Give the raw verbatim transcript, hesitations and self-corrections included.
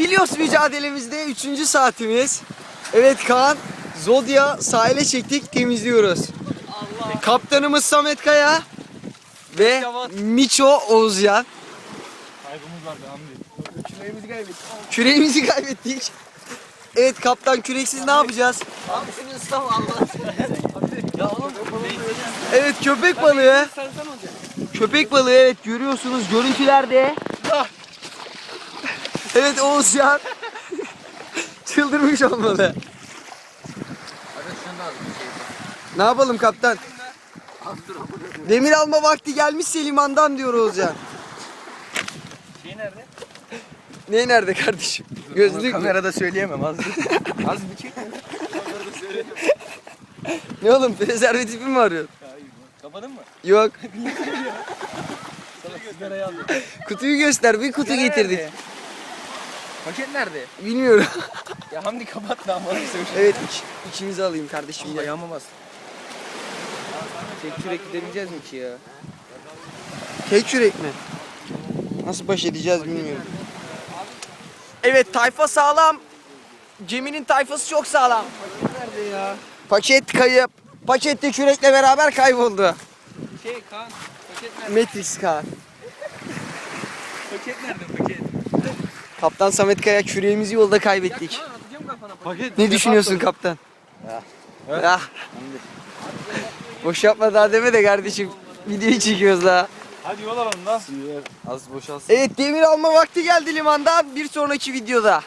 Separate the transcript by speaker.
Speaker 1: Kilyos mücadelemizde üçüncü saatimiz. Evet Kaan, Zodya sahile çektik, temizliyoruz. Allah. Kaptanımız Samet Kaya ve Miço Oğuzcan.
Speaker 2: Kaybımız vardı Hamdi. Küreğimizi kaybettik.
Speaker 1: Küreğimizi kaybettik. Evet kaptan, küreksiz ne yapacağız?
Speaker 3: Abi şunu ıslama Allah. Ya oğlum.
Speaker 1: Evet köpek balığı. Köpek balığı evet görüyorsunuz görüntülerde. Evet Oğuzcan. Çıldırmış olmalı. Ne yapalım kaptan? Demir alma vakti gelmişse limandan diyor Oğuzcan.
Speaker 2: Şey nerede?
Speaker 1: Ne nerede kardeşim? Gözlük mü?
Speaker 2: Kamerada söyleyemem az bir. Az bir çek.
Speaker 1: Ne oğlum prezervatifi mi arıyorsun?
Speaker 2: Kapadın mı?
Speaker 1: Yok.
Speaker 2: Sana sigarayı aldım.
Speaker 1: Kutuyu göster. Bir kutu getirdik.
Speaker 2: Nerede? Paket nerede?
Speaker 1: Bilmiyorum.
Speaker 2: Ya Hamdi kapat lan bana söyle.
Speaker 1: Evet iç, içimizi alayım kardeşim. Gel.
Speaker 2: Ayağıma bas. Tek kürek gidebileceğiz mi ki ya?
Speaker 1: Tek yürek mi? Nasıl baş edeceğiz bilmiyorum. Evet tayfa sağlam. Geminin tayfası çok sağlam.
Speaker 2: Nerede ya?
Speaker 1: Paket kayıp. Pakette kürekle beraber kayboldu.
Speaker 2: Şey Kaan. Paket nerede?
Speaker 1: Matrix Kaan.
Speaker 2: Paket nerede paket?
Speaker 1: Kaptan Samet Kaya küreğimizi yolda kaybettik.
Speaker 2: Kaan atacağım kafana paket.
Speaker 1: Ne düşünüyorsun kaptan?
Speaker 2: Evet.
Speaker 1: Ah. Boş yapma daha deme de kardeşim. Videoyu çekiyoruz daha.
Speaker 2: Hadi yol alalım da. Az boşalsın.
Speaker 1: Evet demir alma vakti geldi limandan. Bir sonraki videoda.